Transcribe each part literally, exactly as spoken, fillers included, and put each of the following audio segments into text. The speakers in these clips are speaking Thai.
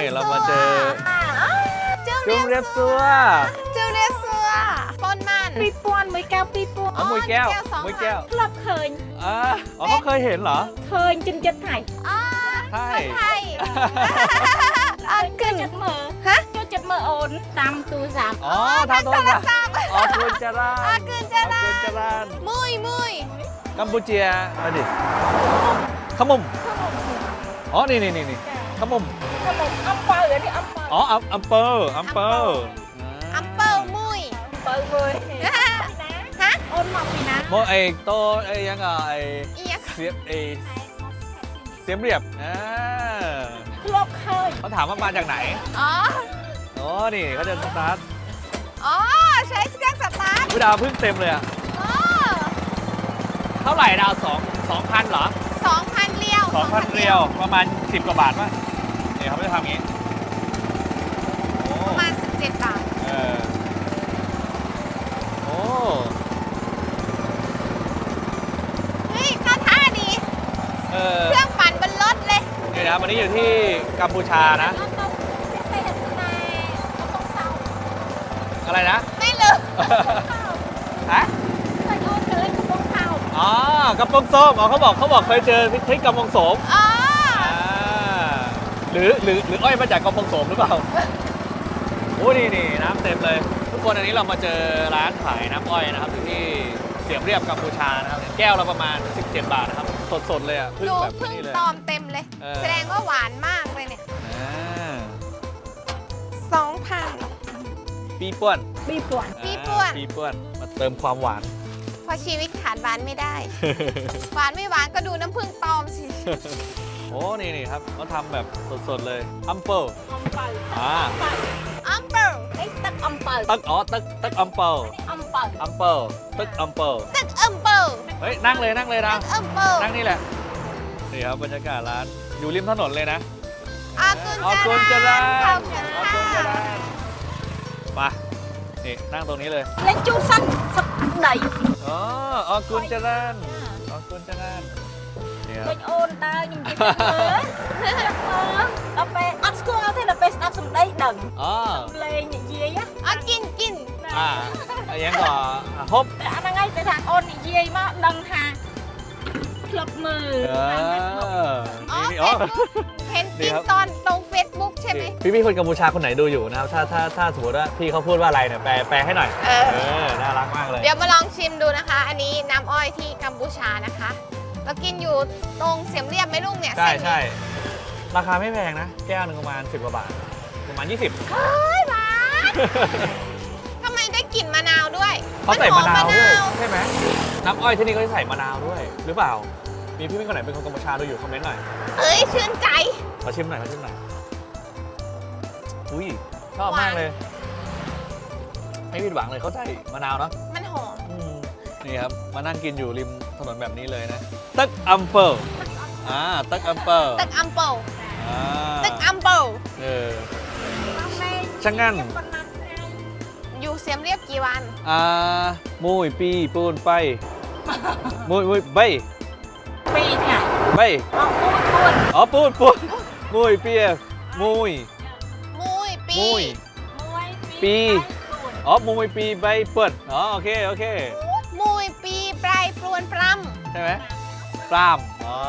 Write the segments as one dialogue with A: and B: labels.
A: เรามาเจอจุ่มเรียบซัว
B: จุ่มเรียบซัวปนมัน
C: ปีปวนมวยแก้วปีปวน
A: อ๋อมวยแก้วมวยแก้ว
C: ครอบเคย
A: อ๋อเขาเคยเห็นเหรอ
C: เคยจนจะถ่าย
B: อ๋อ
A: ใช่
B: ใช่อันขึ้น
C: จัดมือฮะจัดมือโอนตามตูสาม
A: อ๋อทำโทรศัพท์อ๋อกุญจราน
B: อ๋อกุญจราน
A: กุญจราน
B: มุยมุย
A: กัมพูเชียมาดิขมุมอ๋อนี่นี่นี่นี่ขมุม
C: ขมุมอัมเปอร์อันนี้อัมเปอร์
A: อ๋ออัมเปอร์อัมเปอร์
B: อัมเปอร์มุย
C: เปอร์มุยฮะโอนมาปีนะ
A: โมไอโตไอยังอ่ะไอเสียบไอเสียมเรียบอ่า
C: ครอบเคย
A: เขาถามว่ามาจากไหน
B: อ๋อ
A: อ๋อนี่เขาจะสตาร์ท
B: อ๋อใช้เครื่องสตาร์ท
A: ดาวพึ่งเต็มเลยอ่ะเท่าไหร่ดาวสองสองพันเหรอ
B: สองพันเรียว
A: สองพันเรียวประมาณสิบกว่าบาทป่ะเนี่ยเขาจะทำอย่างนี้
B: ประมาณสิบเจ็ดบาท
A: เออโอ้
B: เฮ้ยเข้าท่าดี
A: เออ
B: เครื่องปั่นบนรถเลย
A: นี่นะวันนี้อยู่ที่กัมพูชานะอะไรนะ
B: ไม่ลืม
A: ฮะอ๋อกระป๋องส้มอ๋อเขาบอกเขาบอกเคยเจอที่กระป๋องส้ม
B: อ๋อ
A: หรือหรือหรืออ้อยมาจากกระป๋องส้มหรือเปล่าโอ้นี่นี่น้ำเต็มเลยทุกคนอันนี้เรามาเจอร้านขายน้ำอ้อยนะครับอยู่ที่เสียมเรียบกัมพูชานะครับแก้วละประมาณสิบเจ็ดบาทนะครับสดๆเลยอ่ะ
B: พึ่งแบบนี้เลยตอมเต็มเลยแสดงว่าหวานมากเลยเนี่ยสองพัน
A: ปีป่วน
C: ปีป่วน
B: ปีป่วน
A: ปีป่วนมาเติมความหวาน
B: เพราะชีวิตขาดหวานไม่ได้ หวานไม่หวานก็ดูน้ำผึ้งตอมสิ
A: โอ้นี่นี่ครับเขาทำแบบสดๆเลยอัมเปิล
C: อัมเปิล
A: อ่า
B: อัมเปิล
C: ไอ้ตึกอัมเปิล
A: ตึกอ๋อตึกตึกอัมเปิล
C: อัมเปิล
A: อัมเปิลตึกอัมเปิล
B: ตึกอัมเปิล
A: เฮ้ยนั่งเลยนั่งเลยนะ
B: ตึกอัมเปิล
A: นั่งนี่แหละนี่ครับบรรยากาศร้านอยู่ริมถนนเลยนะ
B: อากุญจราน
A: อากุญจรานมานี่นั่งตรงนี้เลย
C: เล่นจูสั้นสักไหน
A: อ๋ออากุญจรานอากุญจราน
C: เนี่ยเป็นโอนตาจริงๆเลยเอาไปอัดสกูเอาเท่านั้นไปสนับสนุนได้ดัง
A: อ๋อ
C: เลยเยี่ย
B: อ่ะกินกิน
A: อ่ายังก่อฮบ
C: แต่อันนั้นไงไปทางโอนเยี่ยมาดังฮะคลับมือ
B: อ๋อเห็นกินตอนลงเฟซบุ๊กใช่ไหม
A: พี่พี่คนกัมพูชาคนไหนดูอยู่นะครับถ้าถ้าถ้าสมมติว่าพี่เขาพูดว่าอะไรเนี่ยแปลแปลให้หน่อยเออน่ารักมากเลย
B: เดี๋ยวมาลองชิมดูนะคะ อันนี้น้ำอ้อยที่กัมพูชานะคะเรากินอยู่ตรงเสียมเรียบไหมลุงเนี่ย
A: ใช่ใช่ราคาไม่แพงนะแก้วหนึ่งประมาณสิบกว่าบาทประมาณยี่สิบ
B: เฮ้ยหวานทำไมได้กลิ่นมะนาวด้วย
A: เขาใส่มะนาวด้วยใช่ไหมน้ำอ้อยที่นี่ก็ใส่มะนาวด้วยหรือเปล่ามีพี่พี่คนไหนเป็นคนกัมพูชาดูอยู่คอมเมนต์หน่อย
B: เอ้ยชื่นใจ
A: ขอชิมหน่อยขอชิมหน่อยอุ้ยชอบมากเลยไม่ผิดหวังเลยเขาใส่มะนาวเนาะ
B: มันหอม
A: นี่ครับมานั่งกินอยู่ริมถนนแบบนี้เลยนะตึกอัมเปิลอ่าตึกอัมเปิล
B: ตึกอัมเปิล
A: อ่า
B: ตึกอัมเปิล
A: เออช่างงั้น
B: อยู่เสียมเรียบกี่วัน
A: อ่ามุยปีปูนไปมุยมุยใบ
C: ปีไง
A: ใบอ๋อปูนปูนมุยปีมุย
B: มุยปี
A: ปีอ๋อมุยปีใบเปิดอ๋อโอเคโอเค
B: มุยปีปลายปลวนปล้
A: ำใช่ไหมปล้ำอ๋อ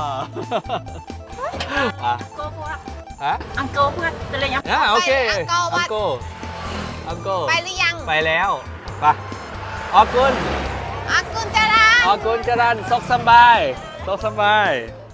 A: อ่ะ
C: โกโก้
A: ฮะ
C: อังโกเพื่อนจะเลยยัง
A: อ่ะโอเคอังโกอังโกอังโก
B: ไปหรือยัง
A: ไปแล้วไปอากุน
B: อากุญจราน
A: อากุญจรานซกสบายซกสบาย